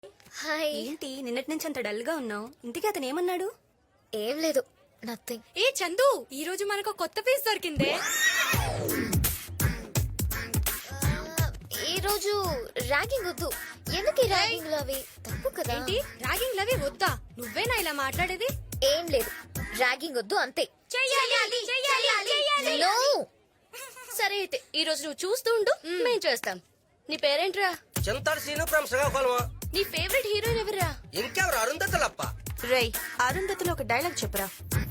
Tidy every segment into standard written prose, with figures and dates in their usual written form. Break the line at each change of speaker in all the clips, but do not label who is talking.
Hi.
ఏంటి నిన్నటి నుంచి అంత డల్ గా ఉన్నావు? ఇంతకీ అతను ఏమన్నాడు?
ఏం లేదు, నథింగ్.
ఏ చందు, ఈ రోజు మనకు కొత్త పీస్ దొరికిందే.
ఈ రోజు ర్యాగింగ్ వద్దు. ఎందుకు ర్యాగింగ్ లో అవి తప్పు కదా?
ఏంటి ర్యాగింగ్ లవి వద్దా? నువ్వేనా ఇలా మాట్లాడేది?
ఏం లేదు, ర్యాగింగ్ వద్దు అంతే.
చెయ్యాలి.
No.
సరే అయితే ఈ రోజు నువ్వు చూస్తూ ఉండు, మేం చేస్తాం. నీ పేరేంట్రా?
చింతాడు సీను ఫ్రమ్ శ్రీకాకుళం.
నీ ఫేవరెట్ హీరోయిన్ ఎవరా?
ఇంకెవరు? అరుంధతులప్ప.
రై అరుంధతిలో ఒక డైలాగ్ చెప్పురా.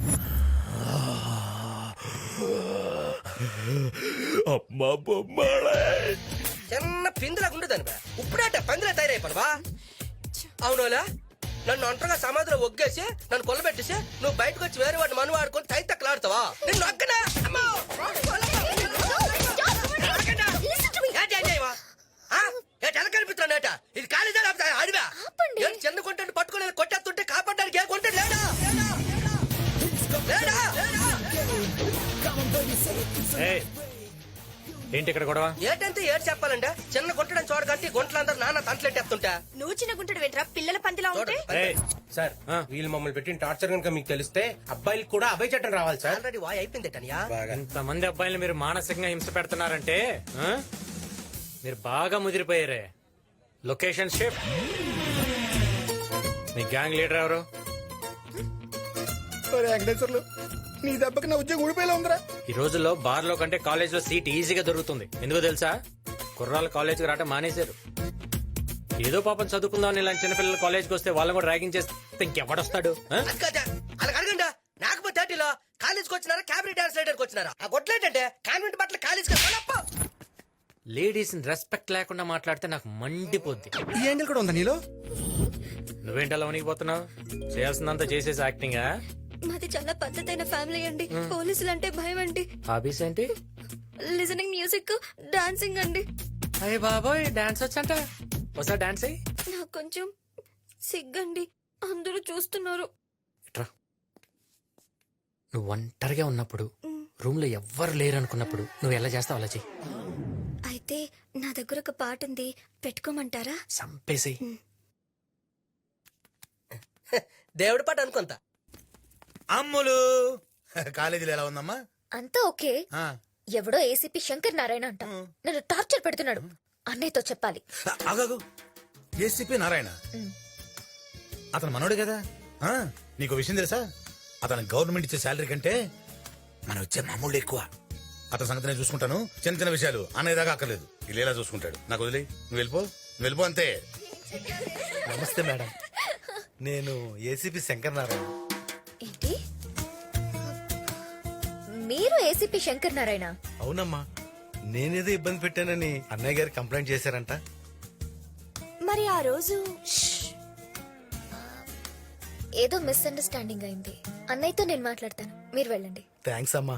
అమ్మా బొమ్మడే
చిన్న పిందులాగా ఉండదని బా. ఇప్పుడేట పందిలా తయారైపోను బా. అవునోలా, నన్ను ఒంటరిగా సమాధిలో ఒగ్గేసి నన్ను కొల్లబెట్టేసి నువ్వు బయటకు వచ్చి వేరే వాడిని మను వాడుకొని తైతక్కలాడుతావా? నిన్ను ఒక్కనా? అమ్మో! ఎలా కనిపిస్తున్నాట? ఇది కాలేజా లేకపోతే అడివా? ఏంటి చిన్న కొంటాను పట్టుకోలేదు, కొట్టేస్తుంటే కాపాడడానికి ఏ కొంటాడు లేడా? లేడా?
ఏయ్, ఏంటి ఇక్కడ గొడవ?
ఏటంటే ఏడు చెప్పాలంటే చిన్న గుంటడం చూడకంటే గుంటలందరూ నాన్న తంటలెట్టేస్తుంటా.
నువ్వు చిన్న గుంటడు వెంట్రా పిల్లల పందిలా ఉంటే.
ఏయ్,
సార్ వీళ్ళు మమ్మల్ని పెట్టిన టార్చర్ కనుక మీకు తెలిస్తే అబ్బాయిలకు కూడా అభయ చట్టం రావాలి సార్.
ఆల్రెడీ వాయ్ అయిపోయింది టనియా.
ఇంతమంది అబ్బాయిలు మీరు మానసికంగా హింస పెడుతున్నారంటే ఆ? మీరు బాగా ముదిరిపోయారే. Location shift. మీ గ్యాంగ్ లీడర్ ఎవరు?
వెంకటేశ్వర్లు, నీ దెబ్బకి నా ఉద్యోగం ఊడిపోయేలా ఉందిరా.
ఈ రోజుల్లో బార్ లో కంటే కాలేజ్ లో సీట్ ఈజీగా దొరుకుతుంది. ఎందుకో తెలుసా? కుర్రాళ్ళు కాలేజ్కి రావటం మానేశారు. ఏదో పాపం చదువుకుందాం ఇలాంటి చిన్నపిల్లలు కాలేజ్కి వస్తే వాళ్ళని కూడా ర్యాగింగ్ చేస్తే ఇంకెవడొస్తాడు? ఆ?
అలా అడగండి. నాకపోతే థర్టీలో కాలేజ్కి వచ్చినారా క్యాబినెట్ డాన్స్ రైడర్కి వచ్చినారా? ఆ గొడ్లేటంటే కాన్వెంట్ బట్టలు కాలేజ్కి
లేడీస్ రెస్పెక్ట్ లేకుండా మాట్లాడితే నాకు మండిపోద్ది.
ఈ యాంగిల్ కూడా ఉందా నీలో?
నువ్వేంటి అలా వణికిపోతున్నావు? చేయాల్సిందంతా చేసేసి యాక్టింగా?
మాది చాలా పద్ధతైన ఫ్యామిలీ అండి. పోలీసులు అంటే భయం అండి.
హాబీస్ ఏంటి?
లిజనింగ్ మ్యూజిక్, డాన్సింగ్ అండి.
అయ్య బాబోయ్, డాన్స్ వచ్చంట. ఒకసారి డాన్స్ అయ్యి.
నాకు కొంచెం సిగ్గండి, అందరూ చూస్తున్నారు.
ఇట్రా. నువ్వు ఒంటరిగా ఉన్నప్పుడు రూమ్ లో ఎవ్వరు లేరు అనుకున్నప్పుడు నువ్వు ఎలా చేస్తావు అలా చెయ్యి.
అయితే నా దగ్గర ఒక పాట ఉంది, పెట్టుకోమంటారా?
సంపేసి.
దేవుడి పాట అనుకుంటా.
అమ్ములు కాలేజీలో ఎలా ఉందమ్మా?
అంతా ఓకే. ఎవడో ఏసీపీ శంకర్ నారాయణ అంట నన్ను టార్చర్ పెడుతున్నాడు. అన్నయ్యతో చెప్పాలి.
ఆగాగు, ఏసీపీ నారాయణ అతను మనోడు కదా. నీకు విషయం తెలుసా? అతను గవర్నమెంట్ ఇచ్చే శాలరీ కంటే మనం ఇచ్చే మామూలు ఎక్కువ. అతని సంగతి నేను చూసుకుంటాను. చిన్న చిన్న విషయాలు అన్నయ్య దాకా అక్కర్లేదు, ఇలా చూసుకుంటాడు. నాకు వదిలే, నువ్వు వెళ్ళిపో అంతే.
నమస్తే మేడం, నేను ఏసీపీ శంకర్ నారాయణ.
ఏంటి, మీరు ఏసీపీ శంకర్ నారాయణ?
అవునమ్మా, నేనేదో ఇబ్బంది పెట్టానని అన్నయ్య గారు కంప్లైంట్ చేశారంట.
మరి ఆ రోజు
ఏదో మిస్అండర్స్టాండింగ్ అయింది. అన్నయ్యతో నేను మాట్లాడతాను, మీరు వెళ్ళండి.
థ్యాంక్స్ అమ్మా.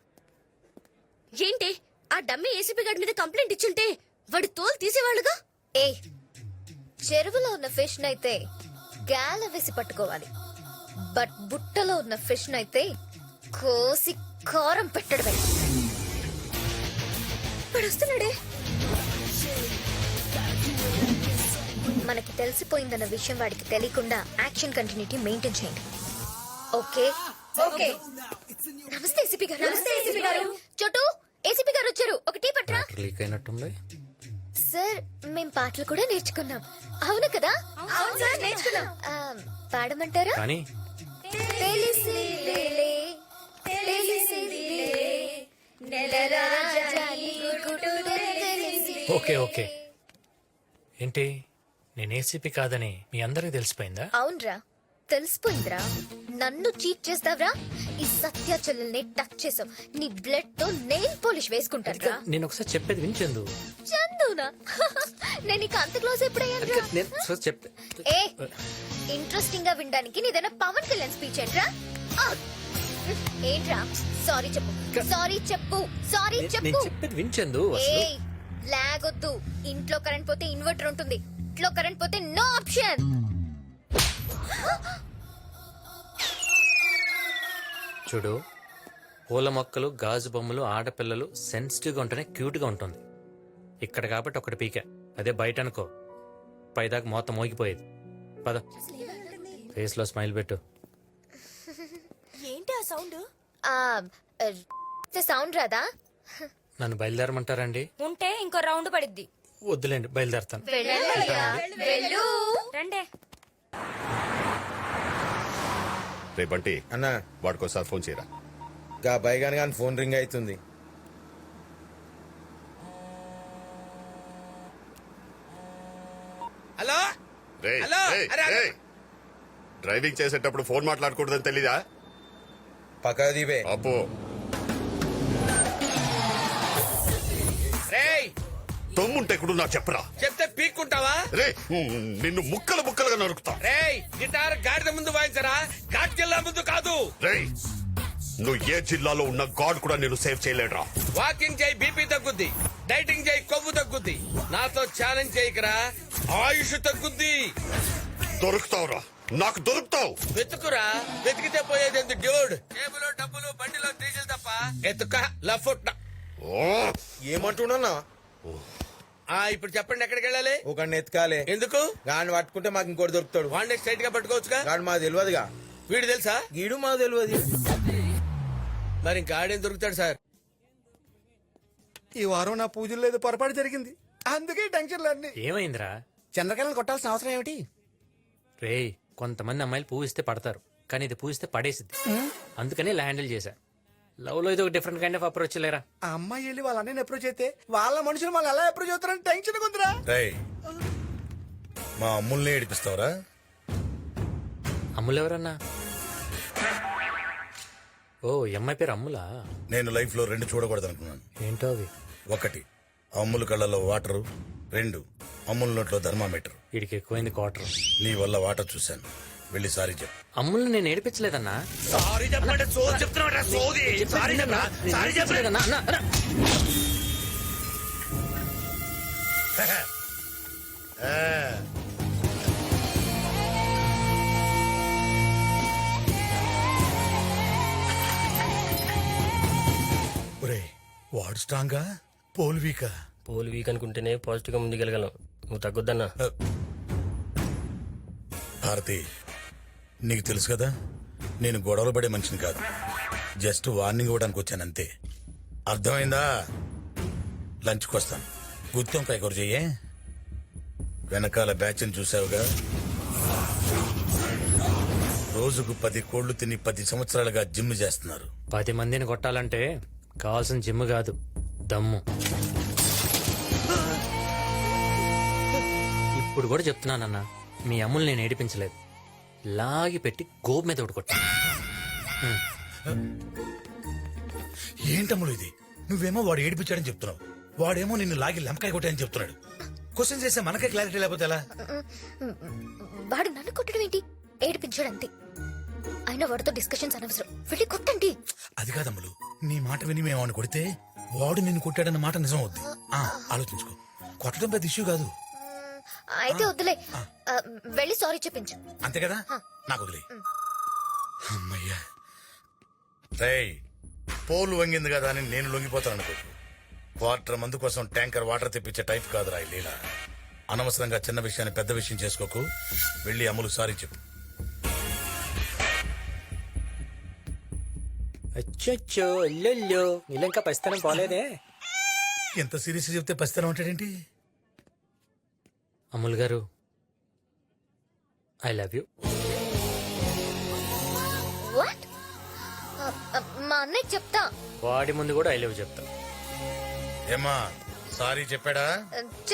ఏంటి ఆ డమ్మీ ఏసీపీ గారి మీద కంప్లైంట్ ఇచ్చుంటే వాడి తోలు తీసేవాళ్ళుగా.
ఏ, చెరువులో ఉన్న ఫిష్ నైతే గాల వేసి పట్టుకోవాలి, బట్ బుట్టలో ఉన్న ఫిష్ నైతే కోసి కారం పెట్టడమే. వాడు వస్తున్నాడే. మనకి తెలిసిపోయిందన్న విషయం వాడికి తెలియకుండా యాక్షన్ కంటిన్యూటీ మెయింటైన్ చేయండి. Okay okay. నమస్తే ఏసీపీ గారు. నమస్తే ఏసీపీ గారు. చోటు, ఏసీపీ గారు వచ్చారు, ఒక టీ పట్రా.
లీక్ అయినట్టుంది.
సార్, మేం పాటలు కూడా నేర్చుకున్నాం. అవును కదా? అవును సార్, నేర్చుకున్నాం. పాడమంటారా?
కానీ
తెలిసిలేలే, తెలిసిలేలే, నెలరాజాని గుడు తెలిసి.
Okay okay. ఏంటి, నేను ఏసీపీ కాదని మీ అందరికి తెలిసిపోయిందా?
అవునరా, తెలిసిపోయిందిరా. నన్ను చీట్ చేస్తావరా? ఈ సత్యాచల్ని టచ్ చేసావు, నీ బ్లడ్ తో నెయిల్ పాలిష్ వేసుకుంటాను.
నేను ఒకసారి చెప్పేది వినిచెందు.
చందునా? నేను ఇక అంత క్లోజ్ ఎప్పుడయ్యాను?
నేను చెప్పే
ఏ, ఇంట్రెస్టింగ్ గా వినడానికి నీదైనా పవన్ కళ్యాణ్ స్పీచ్ ఏంట్రా? ఏంట్రా? సారీ చెప్పు, సారీ చెప్పు, సారీ
నేను
చెప్పు.
చెప్పేది వినిచెందు.
ఏ, లాగొద్దు. ఇంట్లో కరెంట్ పోతే ఇన్వర్టర్ ఉంటుంది, ఇంట్లో కరెంట్ పోతే నో ఆప్షన్.
చూడు, పూల మొక్కలు, గాజు బొమ్మలు, ఆడపిల్లలు సెన్సిటివ్ గా ఉంటేనే క్యూట్ గా ఉంటుంది. ఇక్కడ కాబట్టి ఒకటి పీక, అదే బయట అనుకో పైదాకా మొత్తం మోగిపోయేది. పద, ఫేస్ లో స్మైల్ పెట్టు.
ఏంటి ఆ సౌండ్?
సౌండ్ రాదా?
నన్ను బయలుదేరమంటారండి?
ఉంటే ఇంకో రౌండ్ పడిద్ది.
వద్దులేండి, బయలుదేరతాను.
వెళ్ళు.
రండే.
రే బంటి,
అన్న
వాడికోసారి ఫోన్ చేయరా.
గా బైగాన్ గాని ఫోన్ రింగ్ అవుతుంది.
హలో
రే
హలో, అరే, అరే.
డ్రైవింగ్ చేసేటప్పుడు ఫోన్ మాట్లాడకూడదని తెలీదా?
పక్క దీపే
అప్పు
రేయ్
తమ్ముంటే కూడా నాకు చెప్పరా.
చెప్తే పీక్కుంటావా?
రే నిన్ను ముక్కలు ముక్కలుగా నరుకుతా.
రేయ్ గిటార్ గాడిద ముందు వాయించరా, ఘాట్ జిల్లా ముందు కాదు.
రే నువ్వు ఏ జిల్లాలో ఉన్న గాడ్ కూడా నేను సేవ్ చేయలేడురా.
వాకింగ్ చేయి బీపీ తగ్గుద్ది, డైటింగ్ చేయి కొవ్వు తగ్గుద్ది, నాతో ఛాలెంజ్ చేయకరా ఆయుష్ తగ్గుద్ది.
దొరుకుతావురా, నాకు దొరుకుతావు.
వెతుకురా, వెతికితే పోయేది ఎందుకు డ్యూడ్? టేబుల్ డబ్బులు బండిలో డీజిల్ తప్ప ఎత్తుక లఫుట్.
ఓ,
ఏమంటున్నా?
ఇప్పుడు చెప్పండి ఎక్కడికి వెళ్ళాలి?
ఒక ఎత్కాలే.
ఎందుకు?
గాని పట్టుకుంటే మాకు ఇంకోటి దొరుకుతాడు.
వాడిని స్ట్రైట్ గా పట్టుకోవచ్చుగా.
గాని మాకు తెలియదుగా.
వీడు తెలుసా?
గీడు మాకు తెలియదు.
మరి ఇంకా ఆడేం దొరుకుతాడు సార్?
ఈ వారం నా పూజలు లేదు, పొరపాటు జరిగింది, అందుకే టెన్షన్లు అన్ని.
ఏమైందిరా?
చంద్రకళను కొట్టాల్సిన అవసరం ఏమిటి?
రేయ్, కొంతమంది అమ్మాయిలు పూవిస్తే పడతారు, కానీ ఇది పూవిస్తే పడేసిద్ది. అందుకని ఇలా హ్యాండిల్ చేశా. లవ్ లో ఇది ఒక డిఫరెంట్ కైండ్ ఆఫ్ అప్రోచ్ లేరా.
ఆ అమ్మాయి వెళ్ళి వాళ్ళ అన్నయ్యని అప్రోచ్ అయితే వాళ్ళ మనుషులు మళ్ళీ ఎలా అప్రోచ్ అవుతారని టెన్షన్ ఉందిరా.
మా అమ్ముల్ని ఏడిపిస్తావరా?
అమ్ములు ఎవరన్నా? ఓ, ఈ అమ్మాయి పేరు అమ్ములా?
నేను లైఫ్ లో 2 చూడకూడదు అనుకున్నాను.
ఏంటో అవి?
1 అమ్ముల కళ్ళలో వాటరు, 2 అమ్ముల నోట్లో థర్మామీటర్.
వీడికి ఎక్కువైంది క్వార్టర్.
నీ వల్ల వాటర్ చూశాను, వెళ్ళి సారీ చెప్పు.
అమ్ముల్ని నేను ఏడిపించలేదన్నా.
సారీ చెప్పండి. సోది చెప్తున్నాడు, సోది. సారీ చెప్పరా, సారీ చెప్పలేదన్నా.
ఒరేయ్, వాడు స్ట్రాంగా, పోల్ వీకా?
పోల్ వీక్ అనుకుంటేనే పాజిటివ్ గా ముందుకెళ్ళగలం. నువ్వు తగ్గొద్దన్నా.
భారతి, నీకు తెలుసు కదా నేను గొడవలు పడే మనిషిని కాదు. జస్ట్ వార్నింగ్ ఇవ్వడానికి వచ్చానంతే. అర్థమైందా? లంచ్కి వస్తాను. గుత్తొంకాయ కూర చెయ్యే. వెనకాల బ్యాచ్ని చూసావుగా, రోజుకు 10 కోళ్లు తిని 10 సంవత్సరాలుగా జిమ్ చేస్తున్నారు.
10 మందిని కొట్టాలంటే కావాల్సిన జిమ్ కాదు, దమ్ము. ఇప్పుడు కూడా చెప్తున్నానన్నా, మీ అమ్ములు నేను ఏడిపించలేదు. లాగి పెట్టి గోపు మీద కొట్టా.
ఏంటమ్ములు ఇది? నువ్వేమో వాడు ఏడిపించాడని చెప్తున్నావు, వాడేమో నిన్ను లాగి లెంకాయ కొట్టాయని చెప్తున్నాడు. క్వశ్చన్ చేస్తే మనకే క్లారిటీ లేకపోతే ఎలా?
వాడు నన్ను కొట్టడం ఏంటి? ఏడిపించాడంతే. అయినా వాడితో డిస్కషన్స్ అనవసరం, వెళ్ళి కొట్టండి.
అది కాదమ్ములు, నీ మాట విని మేము వాడిని కొడితే వాడు నిన్ను కొట్టాడన్న మాట నిజం అవుద్ది. ఆలోచించుకో, కొట్టడం పెద్ద ఇష్యూ కాదు.
అయితే వద్దులే, వెళ్ళి సారీ చెప్పించు.
అంతే కదా, నాకు వదిలే. అమ్మయ్యా. రేయ్, పోలు వంగింది కదా అని నేను లొంగిపోతాను అనుకో. క్వార్టర్ మందు కోసం ట్యాంకర్ వాటర్ తెప్పించే టైప్ కాదురా ఈ లీల. అనవసరంగా చిన్న విషయాన్ని పెద్ద విషయం చేసుకోకు. వెళ్ళి అమ్ములు సారీ చెప్పు.
అచ్చో అల్లెల్లో, ఇలా ఇంకా పరిస్థితి పోలేదే.
ఎంత సీరియస్ చెప్తే పసితనం ఉంటాడేంటి?
అమ్ముల్ గారు, ఐ లవ్ యూ.
వాట్? మా అన్నయ్య చెప్తా.
వాడి ముందు కూడా ఐ లవ్ చెప్తా.
ఏమా సారీ చెప్పాడా?